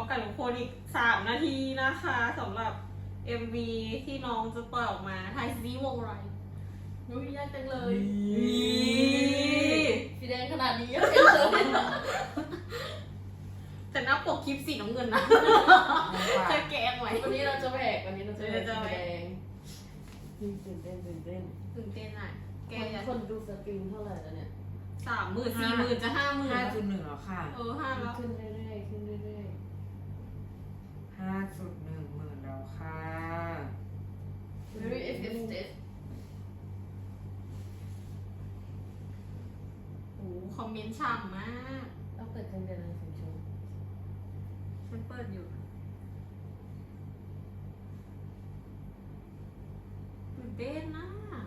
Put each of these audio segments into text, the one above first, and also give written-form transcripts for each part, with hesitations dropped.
กับทุกคนอีก3 นาทีนะคะสำหรับ MV ที่น้องจะปล่อยออกมาทายซีวงไรรู้ยากจังเลยสีแดงขนาดนี้ยังเป็นเลยแต่หน้าปกคลิปสีน้ำเงินนะจะแกงไหมวันนี้เราจะแหวกวันนี้เราจะแหวกจะสีแหวกแดงตื่นเต้นตื่นเต้นอ่ะแกจะคนดูสตรีมเท่าไหร่แล้วเนี่ย 30,000 40,000จะ50,000 5.1แล้วค่ะ 5แล้วขึ้นเรื่อยๆขึ้นเรื่อย 5.1 หมื่นแล้วค่ะๆ very effective โอ้คอมเมนต์ฉ่ำมากต้องเปิดเพลงเดือนละ1 ชั่วโมงฉันเปิดอยู่ตื่นเต้นนะ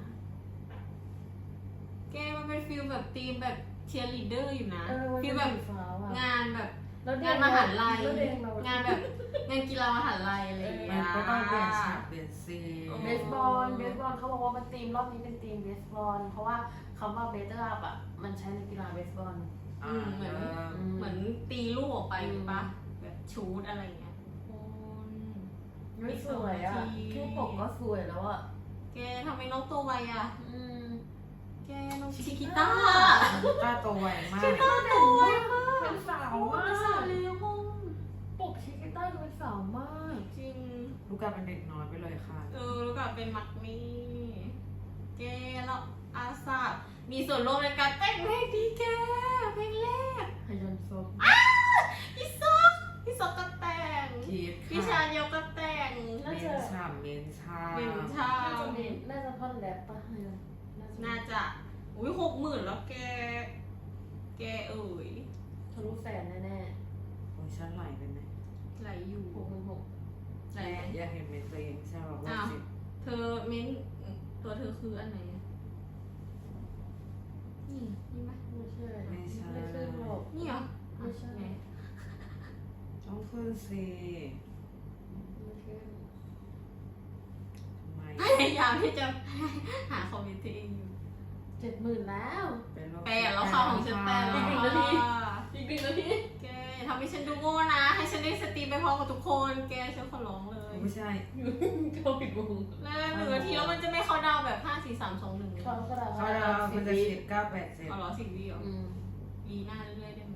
แกมันเป็นฟิลแบบทีมแบบเชียร์ลีดเดอร์อยู่นะฟิลแบบงานแบบงานมหาลัยงานแบบงานกีฬามหาลัยอะไรอย่างเงี้มัยนก็ต้องเปลี่ยนฉากเปลี่ยนซีนเบสบอลเขาบอกว่ามันทีมรอบนี้เป็นทีมเบสบอลเพราะว่าคำว่าเบสอัพอ่ะมันใช้ในกีฬาเบสบอลเหมือนตีลูกออกไปหรือปะแบบชูดอะไรอย่างเงี้ยคนไม่สวยอ่ะแค่ปกก็สวยแล้วอ่ะแกทำไมน้องตัวไวอ่ะ แกน้องชิคิต้าต้าโตไวมากชิคิต้าตัวไวมากเป็นสาวมามากสาวเลยห้องปกชิคต้าดูเป็นสาวมากจริงลูกกาเป็นเด็กน้อยไปเลยค่ะแล้วก็เป็นมักมี่แกแล้วอาสามีส่วนร่วมในการแต่งเพลงดีแกเพลงแรกฮยันซบพี่ซอกก็แต่งคิดพี่ชาเยลก็แต่งเมนชาเมนชาเป็นชาน่าจะท่อนแรปป่ะฮยันน่าจะ60,000แล้วแกเอ่ยทะลุแสนแน่โอ้ยฉันไหลไปไหมไหลอยู่ๆไหลอยากเห็นเมนตัวเองใช่ป่ะว่าสิเธอเม้นตัวเธอคืออันไหนนี่ไหมไม่ใช่ไม่ใช่ไม่ใช่หรอกนี่เหรอไม่ใช่ไหนต้องขึ้นสิไม่ใช่ทำไมพยายามที่จะหาคอมเมนต์ตัวเองอยู่ 70,000แล้วเป็นโรคแปดแล้วค่ะของฉันแปดแล้วอีกค่ะ 1 นาทีแกอย่าทำให้ฉันดูโง่นะ ให้ฉันได้สตรีมไปพร้อมกับทุกคน แกฉันขอร้องเลยไม่ใช่เข้าผิดวงแล้ว1 นาทีแล้วมันจะไม่เข้าดาวแบบ5 4 3 2 1 เขาก็ได้เขาเรามันจะ10 9 8 7 เอาเหรอ10 วิเหรออืมวีหน้าเรื่อยๆได้ไหม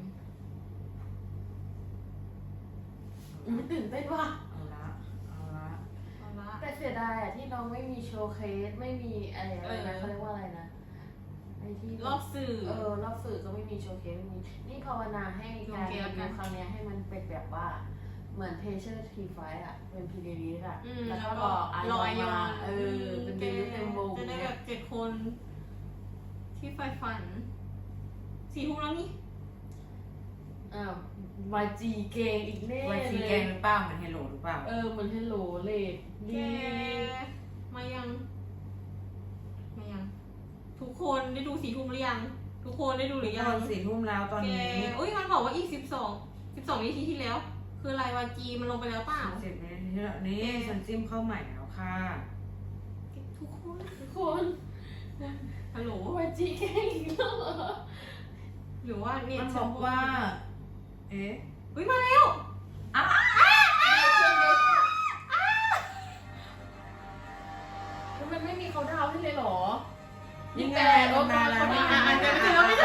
ตื่นเต้นว่ะเอาละเอาละแต่เสียดายอ่ะที่น้องไม่มีโชว์เคสไม่มีอะไรนะเขาเรียกว่าอะไรนะไอ้ที่รอบสื่อรอบสื่อก็ไม่มีโชว์เคสไม่มีนี่ภาวนาให้การรีวิวครั้งนี้ให้มันเป็นแบบว่าเหมือนเพเชอร์ทีไฟอ่ะเป็นพีดีลีอ่ะแล้วก็รอไอรอนมาเป็นเดลิเต็มวงจะได้เนี่แบยบ7 คนที่ใฝ่ฝัน4 ทุ่มแล้วนี่อ้าววายจีเกงอีกแน่ไวซีเลแกยงหรือเปล่าเหมือนเฮลโลหรือเปล่าเหมือนเฮลโลเลดแกมายัง ทุกคนได้ดู4 ทุ่มหรือยัง ทุกคนได้ดูหรือยัง 4 ทุ่มแล้วตอนแกนี้อุ้ยมันบอกว่าอีก12 นาทีที่แล้ว คืออะไรวาจีมันลงไปแล้วเปล่า 10 นาทีแล้วนี่ฉันจิ้มเข้าใหม่แล้วค่ะทุกคนคนฮัลโหลวายจีเกงอีกแล้วเหรอหรือว่าเนี่ยมันบอกว่า เอ๊ะอุ้ยมาแล้วมันไม่มีเขาดาวให้เลยเหรอยังไงมันมาแล้วไม่มาไม่แล้วไม่ไม่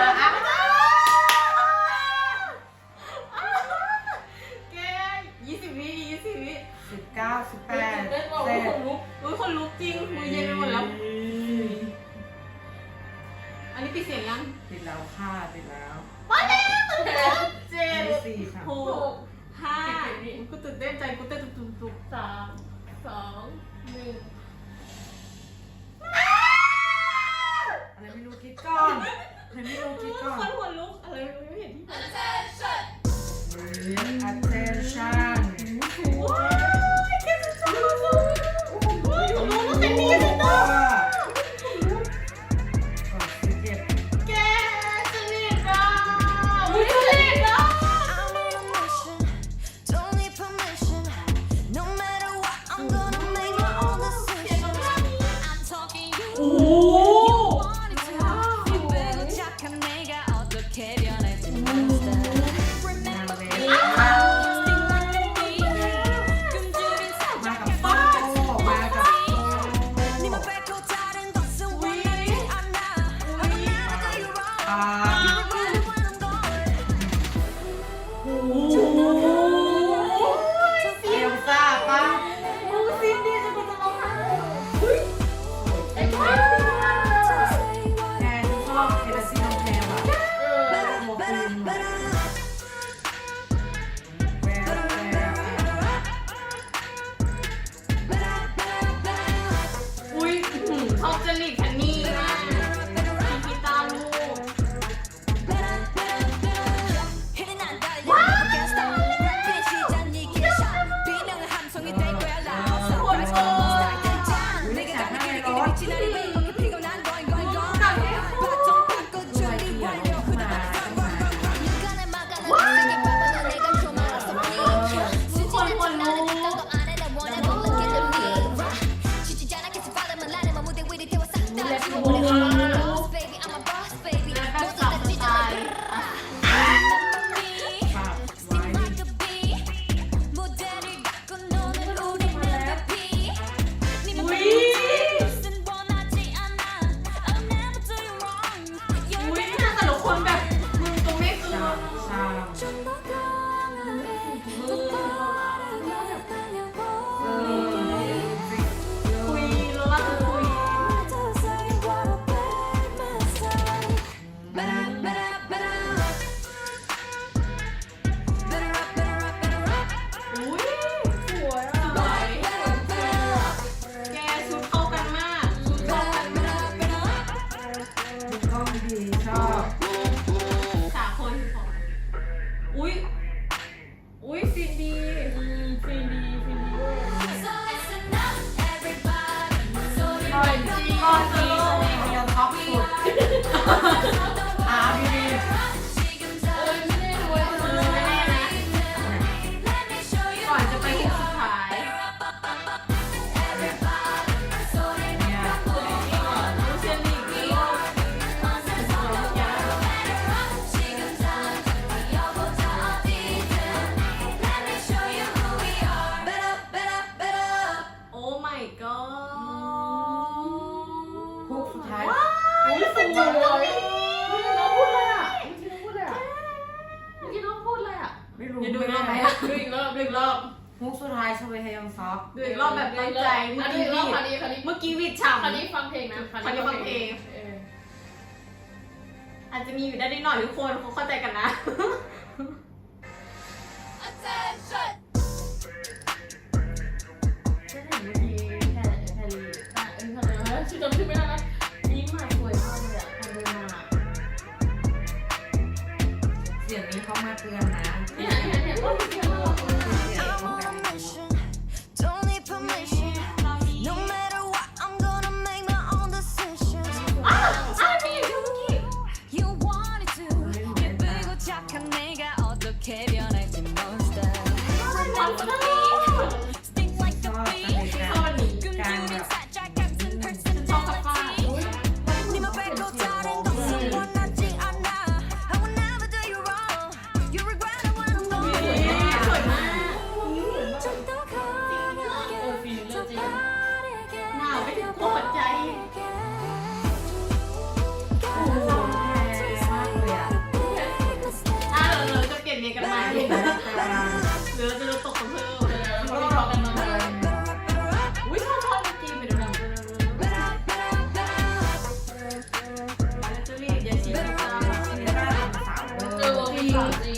แก20 วิ20 วิ 19 18 เล่นบอกว่าคนลุกอุ้ยคนลุกจริงมือเย็นไปหมดแล้ว อันนี้ปิดเสียงยังปิดแล้วค่ะปิดแล้วเจ็ด 4 ค่ะ 6 5กูตื่นเต้นใจกูเต้นตุบ 3 2 1 อะไรไม่รู้คิดก่อนอะไรไม่รู้คิดก่อนคนหัวลุกอะไรไม่เห็นที่ attention ว้ายแกจะจับมันเลยว้ายของน้องเป็นดีสินะแกจะเรียกเราจะเรียกเรา I'm on a mission, don't need permission. สุดท้ายชเวฮยองซอกดูอีกรอบแบบตั้งใจ เมื่อกี้วิดฉ่ำคราวนี้ฟังเพลงนะคราวนี้ฟังเพลง อาจจะมีอยู่ได้นิดหน่อยทุกคนเขาเข้าใจกันนะฉันเห็นเมื่อกี้แคลรี่ชื่อจำชื่อไม่ได้นะยิ้มมาสวยมากเลยอ่ะคนเดินมาเสียงนี้เขามาเตือนนะเนี่ยว่าเสียงน่ารักมาก I'm on a mission, don't need permission. No matter what, I'm gonna make my own decisions. You wanted to. 예쁘고 착한 내가 어떻게 변할지 monster. Sting like a bee. ชอบอันนี้ 끈기는 살짝 같은 personality. 네맘 뺏고 다른 것은 원하지 않아. I will never do you wrong. You regret it when I'm ส gone. วยมาก 좀더 강하게, 더 빠르게. หนาวไปถึงหัวใจ เราจะเปลี่ยนเมียกันใหม่หรือเราจะตกกันเพิ่มเขาไม่ทะกันมาเลยอุ้ยชอบเมื่อกี้ไปดูหนังแล้วจะรีบอย่าชี้นะจ๊ะจริง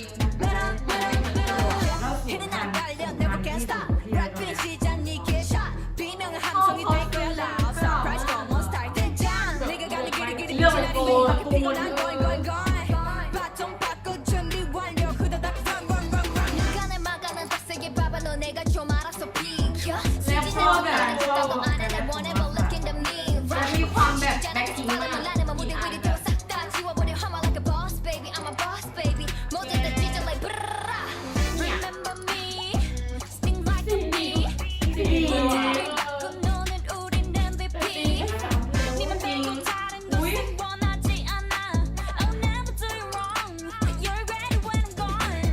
해는 안 갈려 never can stop 락 finish 시작 네 개샷 비명은 함성이 될 거야 loud surprise come on start 된장 내가 가는 길이 지나니 피고 난 going going going 바통 받고 준비 완료 후다닥 run run run run 눈간을 막아낸 빡세게 봐봐도 내가 좀 알아서 비켜 쓰지는 않는 짓도 안해 날 원해 but look in the mirror มันมีความแบบแบ็คพิงค์มาก 나는 무대 위를 들어 싹다 지워버려 I'm like a boss baby I'm a boss baby 모든 다 찢어 like brrrra Remember me Sting like a bee 그 너는 우린 MVP 네맘 뺏고 다른 것은 원하지 않아 I'll never do you wrong You're ready when I'm gone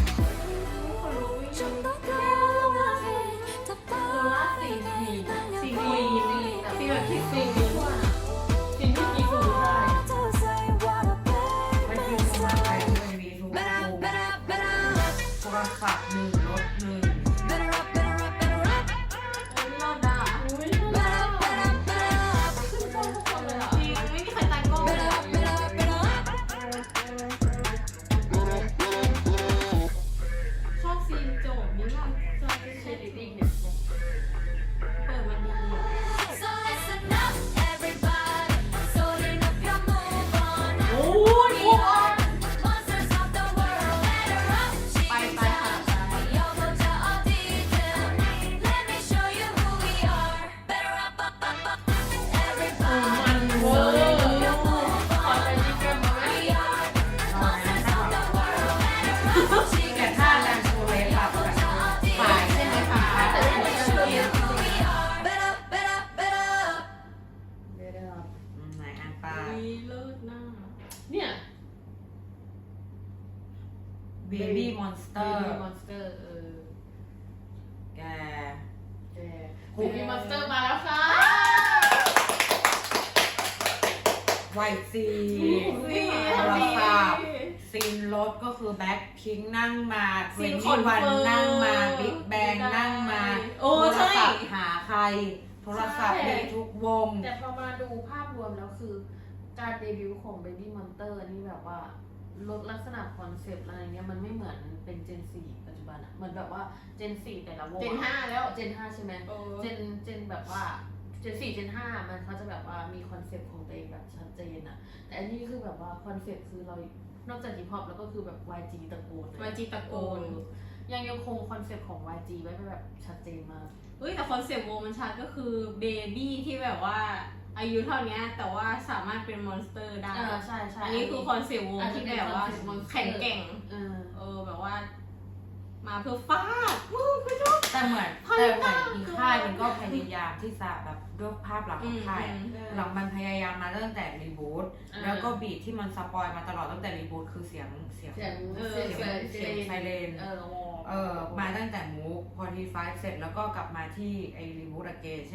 좀더 강하게 더 빠르게 ซีรีส์ซีแบบที่ซีสิ่งที่มีคือได้ To say what a มัน baby คือสมาร์ทไฟ say ทีวีทุก Better ว up, ง better up, better up โทรศัพท์หนึ่งรถหนึ่ง Better up, better up, better up เลิศอ่ะอุ้ย Better up, better up, better up ขึ้นชอบทุกคนเลยอ่ะจริงไม่มีใครตายกล้องเลย Better up, better up, better up ชอบซีนโจบนี้มากชอบเชลิติ้งเนี่ยเปิดมาดีอ่ะ So listen up, everybody 소리는 펴 move on โอ้ย We are monsters of the world Better up, ไปไปค่ะ 뛰어보자 어디든 Let me show you who we are Better up, up, up, up Everybody เวอร์ขอใจดีกันมาไหม We are monsters of the world Better up, แต่ถ้าแรงโชว์เลยค่ะแบบฝ่ายใช่ไหมคะ Let me show you who we are Better up, better up, better up เดี๋ยวไหนอ่านปาอุ้ยเลิศหน้าเนี่ยเบบี้มอนสเตอร์มอนสเตอร์แกเบบี้มอนสเตอร์มาแล้วค่ะไวซีซีโทรศัพท์ซีนรถก็คือแบ็คพิงนั่งมาเทรนนี่วันนั่งมาบิ๊กแบงนั่งมาโอ้โทรใช่ศัพท์หาใคร โทรศัพท์มีทุกวงแต่พอมาดูภาพรวมแล้วคือ การเดบิวต์ของ Baby Monster นี่แบบว่าลดลักษณะคอนเซปต์อะไรเงี้ยมันไม่เหมือนเป็น Gen 4 ปัจจุบันอะเหมือนแบบว่า Gen 4 แต่ละวงเจน 5 แล้ว Gen 5 ใช่ไหมเออ Gen แบบว่า Gen 4 Gen 5 มันเขาจะแบบว่ามีคอนเซปต์ของตัวเองแบบชัดเจนอะแต่อันนี้คือแบบว่าคอนเซปต์คือเรานอกจากฮิปฮอปแล้วก็คือแบบ YG ตระกูล YG ตระกูลยังคงคอนเซปต์ของ YG ไว้แบบชัดเจนมากเฮ้ยแต่คอนเซปต์วงมันชัดก็คือเบบี้ที่แบบว่าอายุเท่านี้แต่ว่าสามารถเป็นมอนสเตอร์ได้ใช่ใช่อันนี้คือคอนเซปต์วงที่แบบว่าแข็งแกร่ง แบบว่า มาเพื่อฟาดไม่ชอบแต่เหมือนอีกค่ายมันก็พยายามที่จะแบบด้วยภาพหลักของค่ายหลังมันพยายามมาตั้งแต่รีบูทแล้วก็บีทที่มันสปอยมาตลอดตั้งแต่รีบูทคือเสียงไซเรนมาตั้งแต่มูฟพอทีไฟเสร็จแล้วก็กลับมาที่ไอรีบูทอเกนใช่ไหม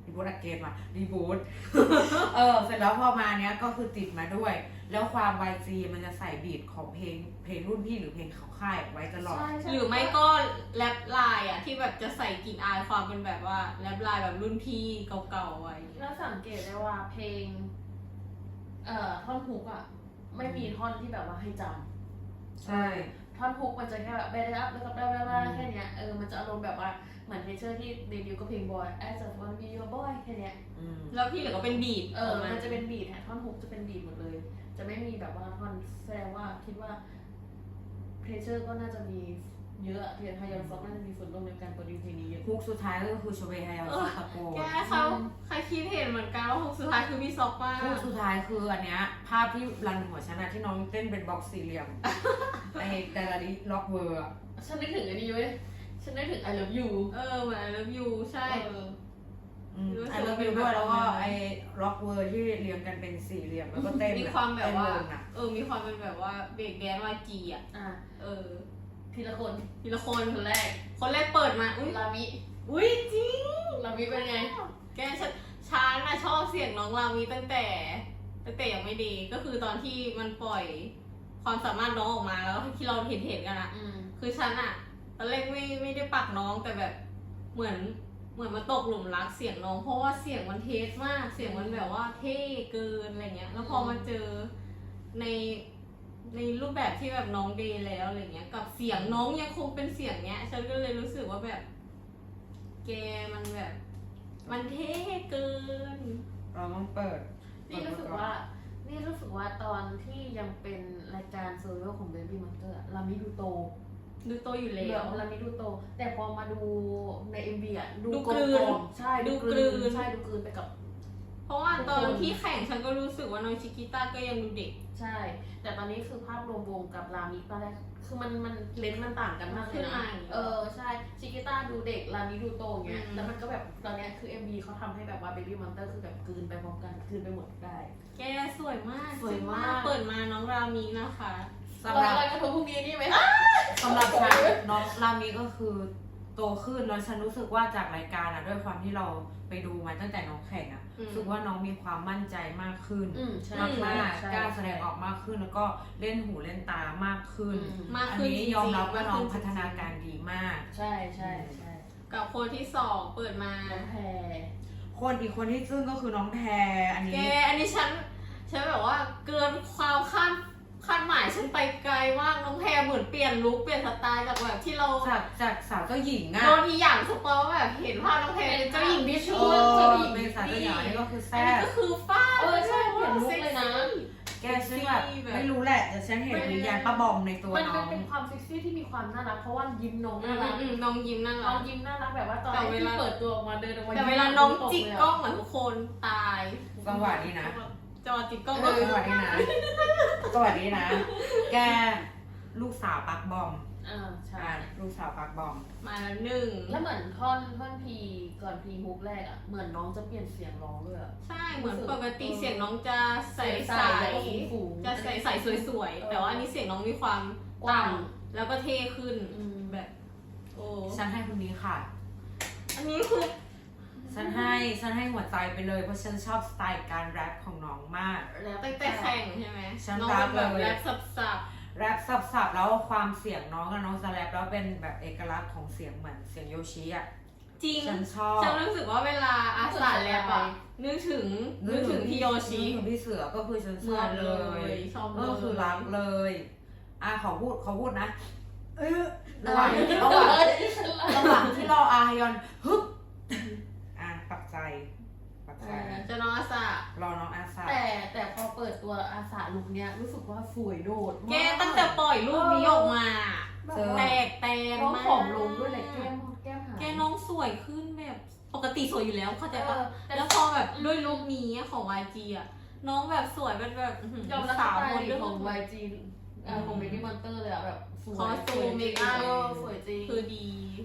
บูทอะเกนมารีบูท เสร็จแล้วพอมาเนี้ยก็คือติดมาด้วย แล้วความ YG มันจะใส่บีทของเพลงรุ่นพี่หรือเพลงเขาค่ายไว้ตลอดหรือไม่ก็แรปไลน์อ่ะที่แบบจะใส่กลิ่นอายความเป็นแบบว่าแรปไลน์แบบรุ่นพี่เก่าๆไว้แล้วสังเกตได้ว่าเพลงท่อนฮุกอ่ะไม่มีท่อนที่แบบว่าให้จำใช่ท่อนฮุกมันจะแค่แบบเบรอัพแล้วก็แค่เนี้ยมันจะอารมณ์แบบว่าเหมือนเทเชอร์ที่เดบิวต์ก็เพลง Boy As a One Be Your Boy แค่เนี้ยแล้วที่เหลือก็เป็นบีทมันจะเป็นบีทท่อนฮุกจะเป็นบีทหมดเลย จะไม่มีแบบว่าท่อนแสดงว่าคิดว่าเทเชอร์ก็น่าจะมีเยอะเทียนไฮยอนฟ็อกน่าจะมีส่วนร่วมในการโปรดิวเพลงนี้เยอะฮุกสุดท้ายก็คือโชเบฮายาซิตะโกแกเขาใครคิดเห็นเหมือนกันว่าฮุกสุดท้ายคือพี่ซอกป้าฮุกสุดท้ายคืออันเนี้ยภาพที่รันหัวฉันอะที่น้องเต้นเป็นบ็อกซ์สี่เหลี่ยม ในแต่ละดิล็อกเวอร์อะฉันนึกถึงอันนี้เว้ยฉันนึกถึง I Love You เหมือน I Love You ใช่ไอเลิฟยูด้วยแล้วก็ไอล็อกเวอร์ที่เรียงกันเป็นสี่เหลี่ยมแล้วก็เต้นมีความแบบว่าเต้นวงอะมีความเป็นแบบว่าเบรกแดนวาจีอ่ะทีละคนทีละคนคนแรกเปิดมาอุ้ยลามิจริงลามิเป็นไงแกฉันน่ะชอบเสียงน้องรามีตั้งแต่ยังไม่ดีก็คือตอนที่มันปล่อยความสามารถน้องออกมาแล้วที่เราเห็นกันอะคือฉันอะตอนแรกไม่ได้ปักน้องแต่แบบเหมือนมันตกหลุมรักเสียงน้องเพราะว่าเสียงมันเทสมากเสียงมันแบบว่าเท่เกินอะไรเงี้ยแล้วพอมาเจอในรูปแบบที่แบบน้องเดย์แล้วอะไรเงี้ยกับเสียงน้องยังคงเป็นเสียงเนี้ยฉันก็เลยรู้สึกว่าแบบแกมันแบบมันเท่เกินเราต้องเปิดนี่รู้สึกว่าตอนที่ยังเป็นรายการโซโล่ของ Baby Monster ลามิดูโตดูโตอยู่แล้เดี๋ยววลามิดูโต แต่พอมาดูใน MV อ่ะดูกกลืนใช่ดูกลืนไปกับเพราะว่าตอนที่แข่งฉันก็รู้สึกว่าน้องชิกิต้าก็ยังดูเด็กใช่ แต่ตอนนี้คือภาพรวมวงกับลามิตอนแรกคือมันเลนส์มันต่างกันมากเลยนะใช่ชิกิต้าดูเด็กลามิดูโตอย่างเงี้ยแล้วมันก็แบบตอนนี้คือ MV เขาทำให้แบบว่า Baby Monster คือแบบกลืนไปพร้อมกันกลืนไปหมดได้แกสวยมากสวยมากเปิดมาน้องรามีนะคะสำหรับอะไรกันทุกพรุ่งนี้นี่ไหมสำหรับฉันน้องรามีก็คือโตขึ้นแล้วฉันรู้สึกว่าจากรายการอะด้วยความที่เราไปดูมาตั้งแต่น้องแข่งอะรู้สึกว่าน้องมีความมั่นใจมากขึ้นใช่มากๆกล้าแสดงออกมากขึ้นแล้วก็เล่นหูเล่นตามากขึ้นมากอันขึ้นนี้ยอมรับว่าน้องพัฒนาการดีมากใช่กับคนที่สองเปิดมาน้องแพรคนอีกคนที่ซึ่งก็คือน้องแพรอันแกนี้อันนี้ฉันแบบว่าเกินความคาดหมายฉันไปไกลมากน้องแพรเหมือนเปลี่ยนลุคเปลี่ยนสไตล์จากแบบที่เราจากสาวเจ้าหญิงอะโดนอีหยังสปอยว่าแบบเห็นภาพน้องแพรเป็นเจ้าหญิงที่ชั่วเจ้าเจ้าหหญิญิงงเป็นสาวเจ้าหญิงอันนี้ก็คืออันแซ่นี้บก็คือฟ้าใช่เปลี่ยนลุคเลยนะแกฉันแบบไม่รู้แหละแต่ฉันเห็นวิญญาณป้าบอมในตัวมันน้องเป็นความเซ็กซี่ที่มีความน่ารักเพราะว่ายิ้มน้องน่ารักน้องยิ้มน่าน้รัองกยิ้มน่ารักแบบว่าตอนที่เปิดตัวออกมาเดินออกมาแต่เวลาน้องจิกกล้องเหมือนทุกคนตายจังหวะนี้นะจังหวะจิกกล้องจัก็งหวะนี้นะจังหวะนี้นะ แกลูกสาวปักบอมใช่ลูกสาวปักบอมมาแล้วหนึ่งแล้วเหมือนท่อนพีก่อนพีฮุกแรกอ่ะเหมือนน้องจะเปลี่ยนเสียงร้องด้วยใช่เหมือนปกติเสียงน้องจะใสใสแล้วก็ฝูงๆจะใสสวยๆแต่ว่าอันนี้เสียงน้องมีความกว้างต่ำแล้วก็เท่ขึ้นแบบโอ้ฉันให้คนนี้ค่ะอันนี้คือฉันให้หัวใจไปเลยเพราะฉันชอบสไตล์การแรปของน้องมากแล้วตั้งแต่แข่งใช่ไหมฉันน้องรัเป็กนแบบเลยแรปสับแรปสับๆแล้วความเสียงน้องกับน้องจะแรปแล้วเป็นแบบเอกลักษณ์ของเสียงเหมือนเสียงโยชิอ่ะๆจริงฉันชอบฉันรู้สึกว่าเวลาอาสาแรปอะนึกถึงพี่โยชินึกถึงพี่เสือก็คือฉันชอบเลยชอบเลยก็คือรักเลยขอพูดนะระหระว่าหว่างงที่รออาฮยอนฮึบปักใจจะน้องอาสารอน้องอาซาแต่พอเปิดตัวอาสาลุคเนี้ยรู้สึกว่าสวยโดดแกตั้งแต่ปล่อยรูปนี้ออกมา แตกแตนน้องมากผอมลงด้วยแหละแก้มหายแกน้องสวยขึ้นแบบปกติสวยอยู่แล้วเข้าใจปะแต่แล้วพอแบบด้วยลุคนี้ของ YG อ่ะน้องแบบสวยเป็นแบบยอมรับสาวสไตคนล์เรื่องของ YG ของ Baby Monster เลยอะแบบสวยคอสตูมเมคอัพสวยจริงคือดี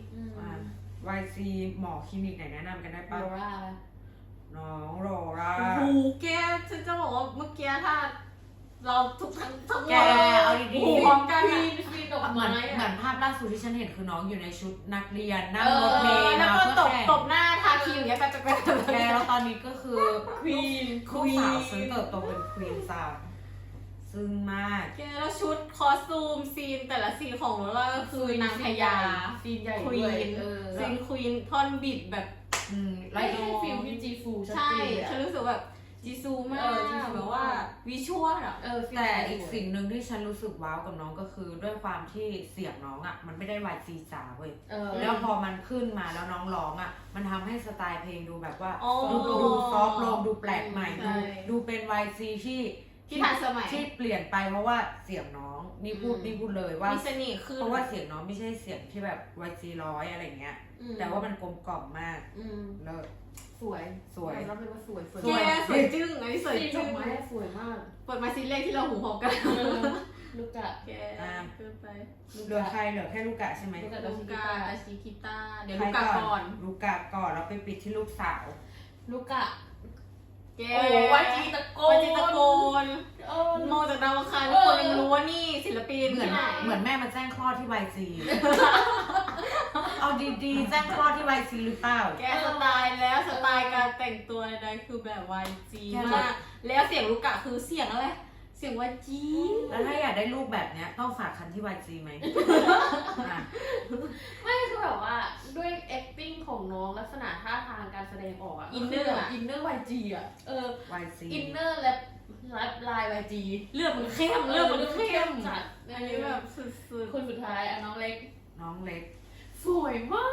YG หมอคลินิกไหนแนะนำกันได้โรปะราน้องโรราโอ้โหแกฉันจะบอกว่าเมื่อกี้ถ้าเราทุกทั้งหมแกดเอาดีโอ้โหพร้อมกันฟีอะนฟีนดอกเหมืไม้อนเหมือนอะภาพล่าสุดที่ฉันเห็นคือน้องอยู่ในชุดนักเรียนนั่งรถเมล์แล้วมาก็เพื่อตบแข่งหน้าทาครีมอย่างเงี้ยไปแกเราอนนี้ก็คือควีนลูกสาวฉันเติบโตเป็นควีนสาวซึ่งมากแกแล้วชุดคอสตูมซีนแต่ละซีนของโรล่าก็คือนางพญาซีนใหญ่ควีด้วยนซีนควีนท่อนบิดแบบไล่ให้ฟิลพี่จีฟูชัดใช่เจนฉันรู้สึกแบบจีซูมากจีซูแบบว่าวิชวลอะแต่อีกสิ่งหนึ่งที่ฉันรู้สึกว้าวกับน้องก็คือด้วยความที่เสียงน้องอ่ะมันไม่ได้วายซีจ๋าเว้ยแล้วพอมันขึ้นมาแล้วน้องร้องอ่ะมันทำให้สไตล์เพลงดูแบบว่าดูซอฟต์ลงดูแปลกใหม่ดูเป็นวายซีที่ทันสมัยที่เปลี่ยนไปเพราะว่าเสียงน้องนี่พูดเลยว่ามีเสน่ห์ขึ้นเพราะว่าเสียงน้องไม่ใช่เสียงที่แบบวายซีร้อยอะไรเงี้ยแต่ว่ามันกลมกล่อมมากเลิศสวยสวยรับเลยว่าสวยแกสวยจึ้งอันนี้สวยซีนดจึ้อง กไม้สวยมากเปิดมาซีนแรกที่เราหูหอกกันลูกกะแกเกินไปเหลือใครเหลือแค่ลูกกะใช่ไหมลูกกะลูกาตาชิคิต้าเดี๋ยวลูกาก่อนลูกกะก่อนแล้วไปปิดที่ลูกสาวลูกกะแกโอ้วาจีตะโกนวาจีตะโกนมองจากดาวอังคารทุกคนยังรู้ว่านี่ศิลปินเหมือนที่ไหนเหมือนแม่มาแจ้งคลอดที่ YG เอาดีๆแจ้งคลอดที่ YG หรือเปล่าแกสไตล์แล้วสไตล์การแต่งตัวใดๆคือแบบ YG มากแล้วเสียงลูกะคือเสียงอะไรเสียง YG แล้วถ้าอยากได้ลูกแบบเนี้ยต้องฝากคันที่ YG ไหมอ่ะไม่คือแบบว่าด้วย acting ของน้องลักษณะท่าทางการแสดงออกอะอินเนอร์อะอินเนอร์ YG อะ YG อินเนอร์และลาย YG เลือดมันเข้มเลือดมันเข้มจัดอันนี้แบบสุดคนสุดท้ายอะน้องเล็กน้องเล็กสวยมาก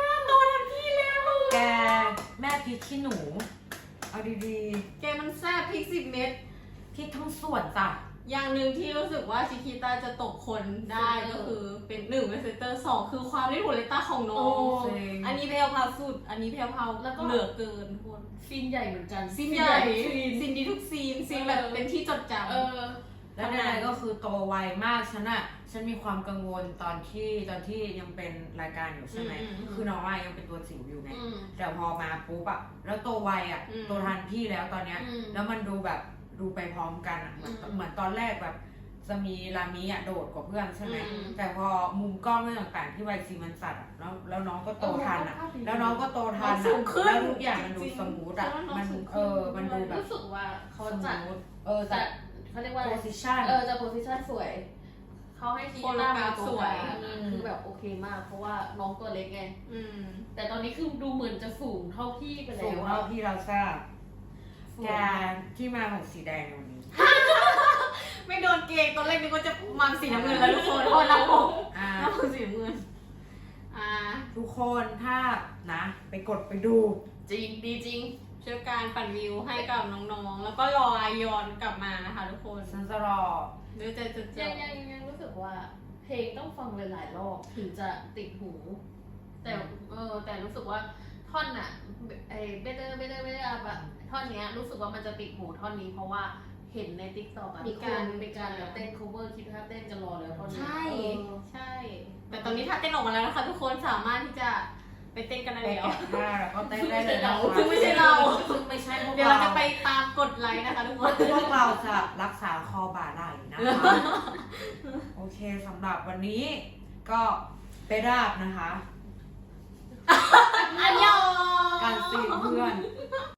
โตทันทีแล้วแกแม่พริกขี้หนู เอาดีแกมันแซ่บพริก10 เม็ดๆพริกทั้งส่วนจ้ะอย่างหนึ่งที่รู้สึกว่าชิคิต้าจะตกคนได้ก็คือเป็น1เป็นเซนเตอร์2คือความเล่นหัวเลต้าของน้อง อันนี้แพลวพราวสุด อันนี้แพลวพราวแล้วก็เหลือเกินทุกคนซีนใหญ่เหมือนกันซีนใหญ่ซีนดีทุกซีนซีนแบบเป็นที่จดจำแล้วในก็คือโตไวมากฉันมีความกังวลตอนที่ยังเป็นรายการอยู่ใช่ไหมคือน้องอะยังเป็นตัวจิ๋วอยู่ไงแต่พอมาปุ๊บอะแล้วโตไวอะโตทันพี่แล้วตอนเนี้ยแล้วมันดูแบบดูไปพร้อมกันอะเหมือนตอนแรกแบบจะมีรามิอะโดดกว่าเพื่อนใช่ไหมแต่พอมุมกล้องเรื่องต่างๆที่ไวซีมันสัตว์อะแล้วน้องก็โตทันอะแล้วน้องก็โตทันอะแล้วทุกอย่างมันดูสมูทอะมันดูแบบรู้สึกว่าเขาสจัดมูทจัจัดดเขาเรียกว่า position จะโพสิชันสวย เขาให้ชีต้ามาสวยคือแบบโอเคมาก เพราะว่าน้องตัวเล็กไง แต่ตอนนี้คือดูเหมือนจะสูงเท่าพี่ไปแล้สูงวเท่าที่เราทราบแกที่มาของสีแดงวันนี้ไม่โดนเกงตอนแรกนึกว่าจะมันสีน้ำเงินแล้วทุกคนเพราะน้ำผมน้ำผมสีน้ำเงินทุกคนถ้านะไปกดไปดูจริงดีจริงช่วยการปั่นวิวให้กับน้องๆ แล้วก็รออายอนกลับมานะคะทุกคนฉันจะรอเดี๋ยวจะยังรู้สึกว่าเพลงต้องฟังหลายๆรอบถึงจะติดหู แต่รู้สึกว่าท่อนอะไอ้เบเตอร์อะท่อนเนี้ยรู้สึกว่ามันจะติดหูท่อนนี้เพราะว่าเห็นในติ๊กต็อกมีการแบบเต้น cover คิดท่าเต้นกันรอแล้วตอนนี้ใช่ แต่ตอนนี้ถ้าเต้นออกมาแล้วนะคะทุกคนสามารถที่จะไปเต้นกันได้ไปแล้วแกะท่าแล้วก็เต้นได้เลยนะซึ่งไม่ใช่เราซึ่งไม่ใช่พวกเดี๋ยวเราเราจะไปตามกดไลค์นะคะทุกคนพวกเราจะรักษาคอบ่าไหล่นะคะ โอเคสำหรับวันนี้ก็ไปราบนะคะอันยองการซีนเพื่อน